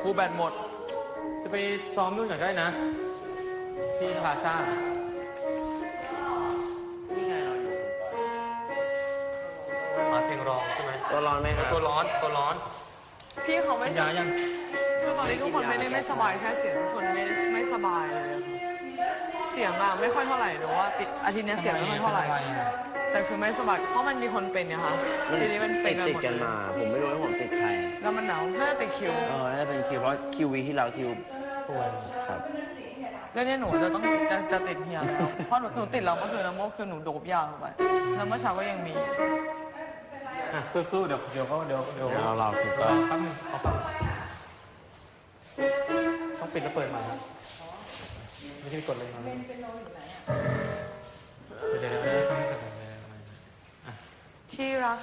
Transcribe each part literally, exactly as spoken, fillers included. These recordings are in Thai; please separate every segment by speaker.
Speaker 1: ครูแบตหมด
Speaker 2: จะไปซ้อมนู่นหน่อยก็ได้นะที่พลาซ่านี่ไงเราอยู่มาเพลงร้องใช่ไหม
Speaker 3: ตัวร้อนไหมครับ
Speaker 2: ตัวร้อนตัวร้อน
Speaker 1: พี่เขาไม่
Speaker 2: ยายัง
Speaker 1: คือตอนนี้ทุกคนไม่ได้ไม่สบายแค่เสียงทุกคนไม่ไม่สบายเลยเสียงอะไม่ค่อยเท่าไหร่หรือว่าติดอาทิตย์นี้เสียงไม่ค่อยเท่าไหร่แต่คือไม่สบายเพราะมันมีคนเป็นเนี่ยค่ะทีนี้มันเป็นกันหมด
Speaker 3: ติดกันมาผมไม่รู้ว่าผมติดใคร
Speaker 1: แล้วมันหนาวน่าจะติดคิว
Speaker 3: เออน่าจะเป็นคิวเพราะคิววีที่เราคิว
Speaker 2: ป่วย
Speaker 3: ครับ
Speaker 1: แล้วเนี่ยหนูจะต้องจะจะติดเฮียแล้วเพราะหนูหนูติดแล้วเมื่อคืนแล้วเมื่อคืนหนูโดบยาเข้าไปแล้วเมื่อเช้าก็ยังมี
Speaker 2: อ่ะสู้ๆเดี๋ยวเดี๋ยวเขาเดี๋ยวเดี๋ยว
Speaker 3: เราเราคือก็
Speaker 2: แป๊บนึงขอฟังต้องปิดแล้วเปิดมาไม่ได้กดเลยนะเดี๋ยวเดี๋ยวเดี๋ยวต้องกดเลย
Speaker 1: ที่รัก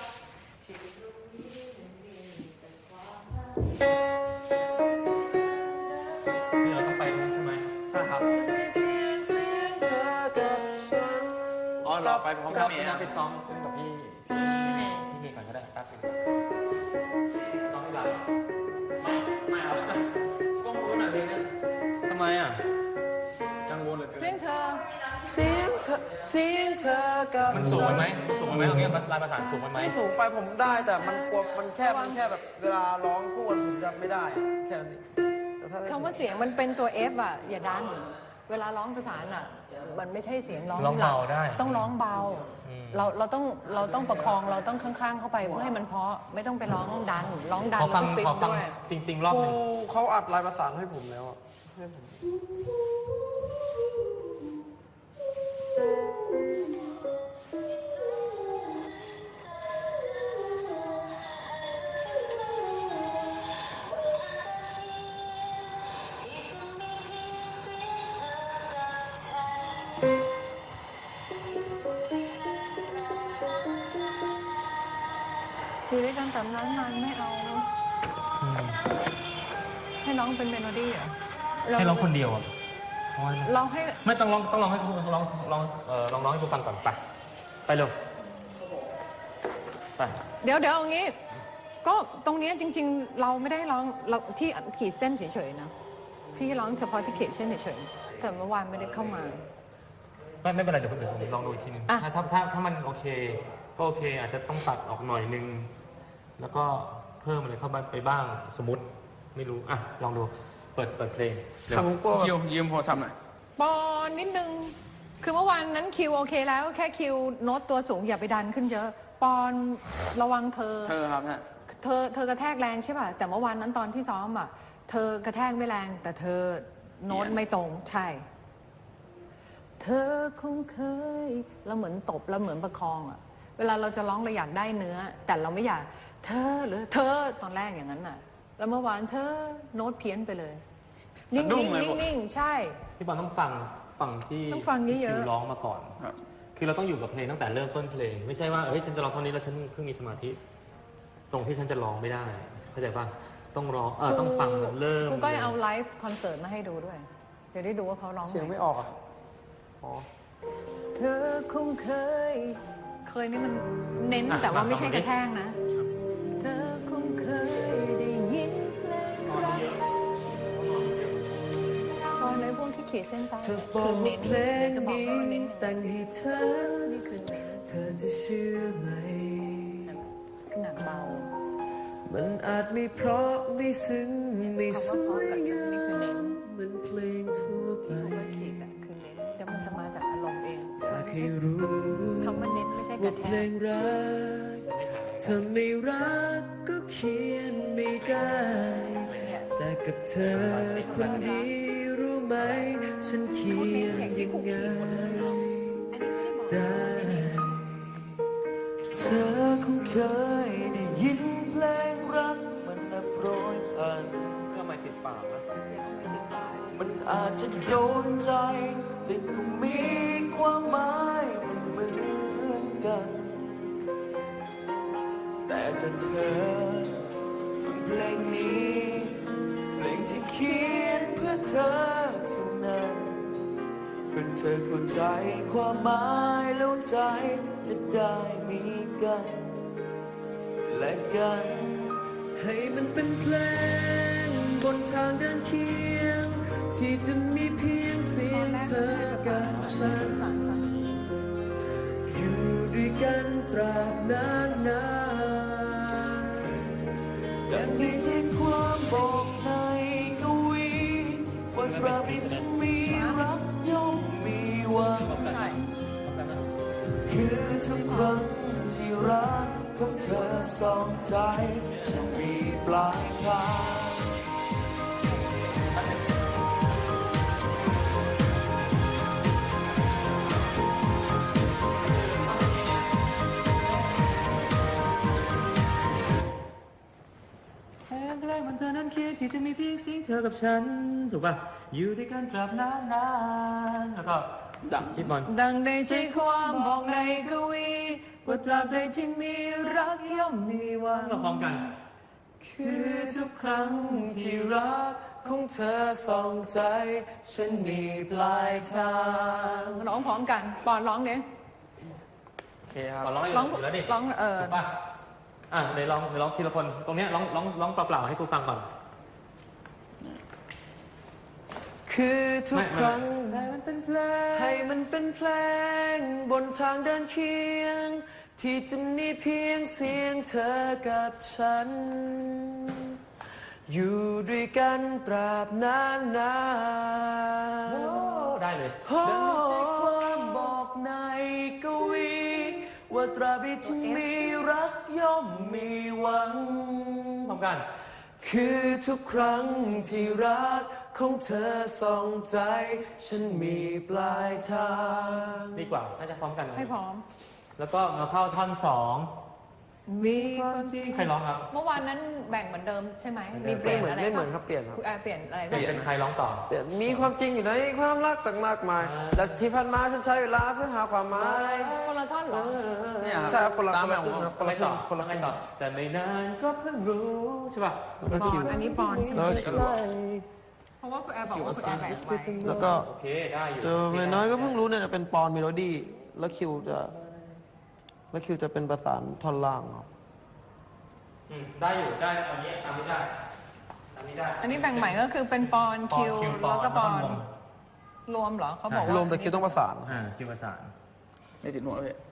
Speaker 2: นี่เราต้องไปใช่ไหม
Speaker 1: ใช่ครับอ๋อเราไปพร้อมกันนะ
Speaker 2: ไปซ้อมขึ้นกับพี่พี่พี่ก่อนก็ได้แป๊บนึงซ้อมไม่หลับไม่ไม่เอาต้องรู้หน่อยเลยเนี่ยทำไมอ่ะกังวลเหลือเกิน
Speaker 1: เสียงเธอเสียงเธอเสียงเธอกับ
Speaker 2: มันสูงไหมสูงไหมตรงนี้ลายประสานสูงไหม
Speaker 4: ไม่สูงไปผมได้แต่มันกลัวมันแค่มันแค่แบบเวลาร้องคู่กันผมจะไม่ได้แค่นี้
Speaker 5: คำว่าเสียงมันเป็นตัว F อ่ะอย่าดันเวลาร้องประสานอ่ะมันไม่ใช่เสียงร้อง
Speaker 2: ร้องเบาได้
Speaker 5: ต้องร้องเบาเราเราต้องเราต้องประคองเราต้องข้างๆเข้าไปเพื่อให้มันเพาะไม่ต้องไปร้องดันร้องดันแล้วก็ปิดด้วย
Speaker 2: จริงๆรอบนึง
Speaker 4: เขาอัดลายประสานให้ผมแล้วให้ผม
Speaker 5: อยู่ด้วยกันแต่นั้นนานไม่เอาให้ร้องเป็นเมโลดี้อ่ะ
Speaker 2: ให้ร้องคนเดียวอ่ะ
Speaker 5: เราให้
Speaker 2: ไม่ต้องร้องต้องร้องให้คุณร้องร้องเออลองร้องให้คุณฟังก่อนไปไปเร็วไป
Speaker 5: เดี๋ยวเดี๋ยวเอางี้ก็ตรงนี้จริงๆเราไม่ได้ร้องเราที่ขีดเส้นเฉยๆนะพี่ร้องเฉพาะที่ขีดเส้นเฉยๆแต่เมื่อวานไม่ได้เข้ามา
Speaker 2: ไม่ไม่เป็นไรเดี๋ยวเดี๋ยวผมลองดูอีกทีนึงถ้าถ้าถ้ามันโอเคก็โอเคอาจจะต้องตัดออกหน่อยนึงแล้วก็เพิ่มอะไรเข้าไปบ้างสมมติไม่รู้อ่ะลองดูเปิดเปิดเพลง
Speaker 1: ทำก็คิวยืมโทรศัพท์หน่อย
Speaker 5: ปอนนิดนึงคือเมื่อวานนั้นคิวโอเคแล้วแค่คิวโน้ตตัวสูงอย่าไปดันขึ้นเยอะปอนระวังเธอ
Speaker 1: เธอครับฮะ
Speaker 5: เธอเธอกระแทกแรงใช่ป่ะแต่เมื่อวานนั้นตอนที่ซ้อมอ่ะเธอกระแทกไม่แรงแต่เธอโน้ตไม่ตรงใช่เธอคงเคยเราเหมือนตบแล้วเหมือนประคองอ่ะเวลาเราจะร้องเราอยากได้เนื้อแต่เราไม่อยากเธอหรือเธอตอนแรกอย่างนั้นน่ะแล้วเมื่อวานเธอโน้ตเพี้ยนไปเลยนิ่งๆนิ่งๆใช่
Speaker 2: พี่บอลต้องฟังฟังที่
Speaker 5: ต้องฟังเยอะ
Speaker 2: ๆร้องมาก่อนคือเราต้องอยู่กับเพลงตั้งแต่เริ่มต้นเพลงไม่ใช่ว่าเฮ้ยฉันจะร้องเท่านี้แล้วฉันเพิ่งมีสมาธิตรงที่ฉันจะร้องไม่ได้เข้าใจป่ะต้องร้องเออต้องฟังเริ่ม
Speaker 5: คุณก็เอาไลฟ์คอนเสิร์ตมาให้ดูด้วยเดี๋ยวได้ดูว่าเขาร้อง
Speaker 4: เสียงไม่ออกอ่ะ
Speaker 5: อ๋อเธอคงเคยเคยนี่มันเน้นแต่ว่าไม่ใช่กระแทกนะเธอคงเคยได้ยินเพลงรักตอนในพวกที่ขีดเส้นใต้คือเน้นจะบอกว่าเน้น
Speaker 4: แต่งให้เธอ
Speaker 5: นี่คือเน้น
Speaker 4: เธอจะเชื่อไหม
Speaker 5: ขนาดเบา
Speaker 4: มันอาจไม่เพราะไม่ซึ้งไม่สวยงามเหมือนเพลงทั่วไป
Speaker 5: คือเน้นเดี๋ยวมันจะมาจากอารมณ์เอง
Speaker 4: อยากให้รู้
Speaker 5: คำว่าเน้นไม่ใช่กระแทก
Speaker 4: เพลงรักเธอไม่รักก็เขียนไม่ได้แต่กับเธอคนดีรู้ไหมฉันเขียนยังไงได้เธอคงเคยได้ยินเพลงรักมันนับร้อยพัน
Speaker 2: ทำไมติดปากนะ
Speaker 4: มันอาจจะโดนใจแต่ก็มีความหมายมันเหมือนกันแต่ถ้าเธอฟังเพลงนี้เพลงที่เขียนเพื่อเธอเท่านั้นเพื่อเธอเข้าใจความหมายแล้วใจจะได้มีกันและกันให้มันเป็นเพลงบนทางเดินเคียงที่จะมีเพียงเสียงเธอกับฉันอยู่ด้วยกันตราบนานนานดังที่ที่ความบอกในกวีว่าตราบที่จะมีรักย่อมมีหวังคือทุกครั้งที่รักของเธอสองใจจะมีปลายทาง
Speaker 2: แค่ใกล้มันเธอนั้นคิดที่จะมีเพียงเสียงเธอกับฉันถูกป่ะอยู่ด้วยกันตราบนานนานแล้วก็ดังพี่บอล
Speaker 5: ดังได้ใช้ความบอกในกวีว่าตราบใดที่มีรักย่อมมีหวัง
Speaker 2: เราพร้อมกัน
Speaker 4: คือทุกครั้งที่รักของเธอส่องใจฉันมีปลายทาง
Speaker 5: ร้องพร้อมกันปอนร้องเนี้ย
Speaker 3: โอเคครับ
Speaker 2: ขอร้องให้
Speaker 5: ร้อง
Speaker 2: อยู่แล้วดิ
Speaker 5: ร้องเออ
Speaker 2: ถูกป่ะอ่ะเดี๋ยวลองเดี๋ยวลองทีละคนตรงเนี้ยร้องร้องร้องเปล่าๆให้กูฟังก่อน
Speaker 4: คือทุกครั้ง
Speaker 2: ให้มันเป็นเพลง
Speaker 4: ให้มันเป็นเพลงบนทางเดินเคียงที่จะมีเพียงเสียงเธอกับฉันอยู่ด้วยกันตราบนานนาน
Speaker 2: ได้เลย
Speaker 4: โอ้ใจความบอกในกวีว่าตราบที่ฉันมีรักย่อมมีหวัง
Speaker 2: พร้อมกัน
Speaker 4: คือทุกครั้งที่รักของเธอส่องใจฉันมีปลายทาง
Speaker 2: ดีกว่าน่าจะพร้อมกัน
Speaker 5: ให้พร้อม
Speaker 2: แล้วก็มาเข้าท่อนสอง
Speaker 5: มีความจริง
Speaker 2: ใครร้องครับ
Speaker 5: เมื่อวานนั้นแบ่งเหมือนเดิมใช่ไหมมีเปลี่ยนอะไร
Speaker 4: ไม่เหมือนครับเปลี่ยนครับ
Speaker 5: คุณแอร์เปลี่ยนอะไร
Speaker 2: เป็นเป็นใครร้องต่อ
Speaker 4: แต่มีความจริงอยู่ในความรักต่างมากมาย
Speaker 2: อ่า
Speaker 4: และที่ผ่านมาฉันใช้เวลาเพื่อหาความหมาย
Speaker 5: คนละท่อนเหรอ
Speaker 3: เนี่ยครับ
Speaker 4: ใช่ครับคนละ
Speaker 3: ตาม
Speaker 4: คนละ
Speaker 3: แบบ
Speaker 4: ครึ่งครับ
Speaker 2: คนละต่อคนละใครต่อแต่ไม่นานก็เพิ่งรู้ใช่ป่ะ
Speaker 4: แล้วก็
Speaker 5: ปอ
Speaker 4: คิวน
Speaker 5: อันนี้ปอนใช่ไหม
Speaker 4: แล้วก็คิว
Speaker 5: เพราะว่าคุณแอร์บอกว่าคุณแอร์แบ่งไว้
Speaker 4: แล้วก็
Speaker 2: โอเคได้อยู่
Speaker 4: เจอไม่น้อยก็เพิ่งรู้เนี่ยจะเป็นปอนเมโลดี้แล้วคิวจะแล้วคิวจะเป็นประสานท่อนล่างครับ
Speaker 2: อืมได้อยู่ได้ตอนนี้ตามนี้ได้ตามนี้ได้
Speaker 5: อันนี้แบ่งใหม่ก็คือเป็นปอนคิว
Speaker 2: ปอน
Speaker 5: แล้วก็ปอน
Speaker 2: รวม
Speaker 5: รวมเหรอเขาบอกว่าร
Speaker 4: วมแต่คิวต้องประสาน
Speaker 2: อ่าคิวประสาน
Speaker 3: ไม่ติดหัวพี่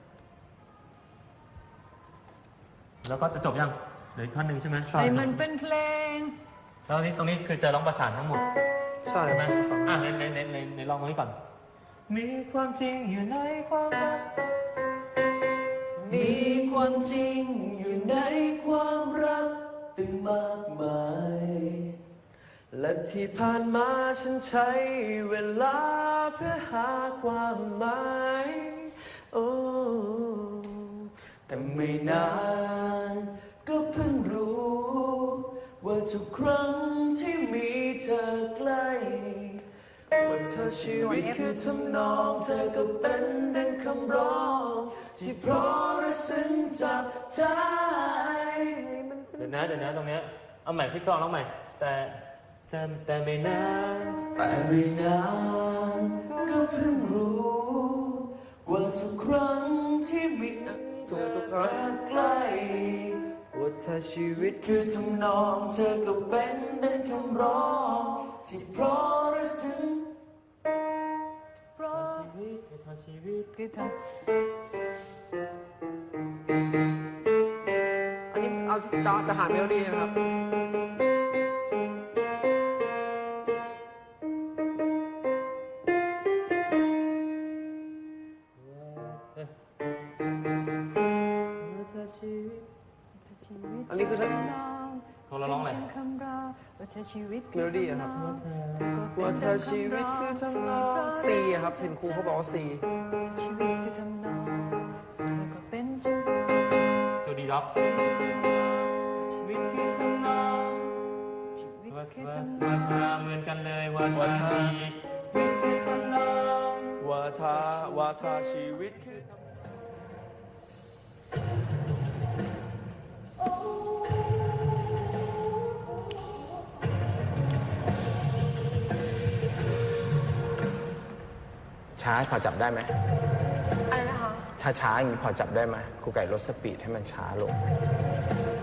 Speaker 2: แล้วก็จะจบยังเหลืออีกท่อนหนึ่งใช่ไหม
Speaker 5: ไอ้มันเป็นเพลง
Speaker 2: แล้วนี้ตรงนี้คือจะร้องประสานทั้งหมด
Speaker 4: ใช่
Speaker 2: ใช่ไหม
Speaker 4: ประสาน
Speaker 2: อ่ะในในในในในลองตรงนี้ก่อน มีความจริงอยู่ในความรัก
Speaker 4: มีความจริงอยู่ในความรักตึงมากมาย และที่ผ่านมาฉันใช้เวลาเพื่อหาความหมายโอ้แต่ไม่นานก็เพิ่งรู้ ว่าทุกครั้งที่มีเธอใกล้ว่าเธอชีวิตคือทำนองเธอก็เป็นดังคำร้องที่เพราะและซึ้งจับใจ
Speaker 2: เดี๋ยวนะเดี๋ยวนะตรงเนี้ยเอาใหม่พี่กรองร้องใหม่ แต่แต่แต่ไม่นาน
Speaker 4: แต่ไม่นานก็เพิ่งรู้ ว่าทุกครั้งที่มีเธอใกล้ว่าถ้าชีวิตคือทำนองเธอก็เป็นดังคำร้องที่เพราะและซึ้ง
Speaker 5: เพราะ
Speaker 2: ชีวิตในทางชีวิต
Speaker 5: คือท
Speaker 4: อันนี้เอาจะจะหาเมโลดี้นะครับ อันนี้คือถ้า
Speaker 2: เขาเราร้องอะไร
Speaker 5: คำราว่าเธอชีวิต
Speaker 4: เมโลดี้อะครับว่าเธอชีวิตคือทำนองซีอะครับเห็นครูเขาบอกว่าซี
Speaker 5: ชีวิตคือทำนองเธอก็เป็นชีวิต
Speaker 2: ตัวดีด็อก
Speaker 5: ชีวิตคือทำนองชีวิต
Speaker 2: ว่า
Speaker 5: คือ
Speaker 2: ว่า
Speaker 5: ทำน
Speaker 2: ว่า
Speaker 5: อง
Speaker 2: ว่าเหมือนกันเลยวันวันชีวิตคือทำนอง
Speaker 4: ว่าถ้าว่าถ้าชีวิตคือ
Speaker 3: ช้าพอจับได้ไหม
Speaker 1: อะไรนะคะ
Speaker 3: ถ้าช้าอย่างนี้พอจับได้ไหมครูไก่ลดสปีดให้มันช้าลง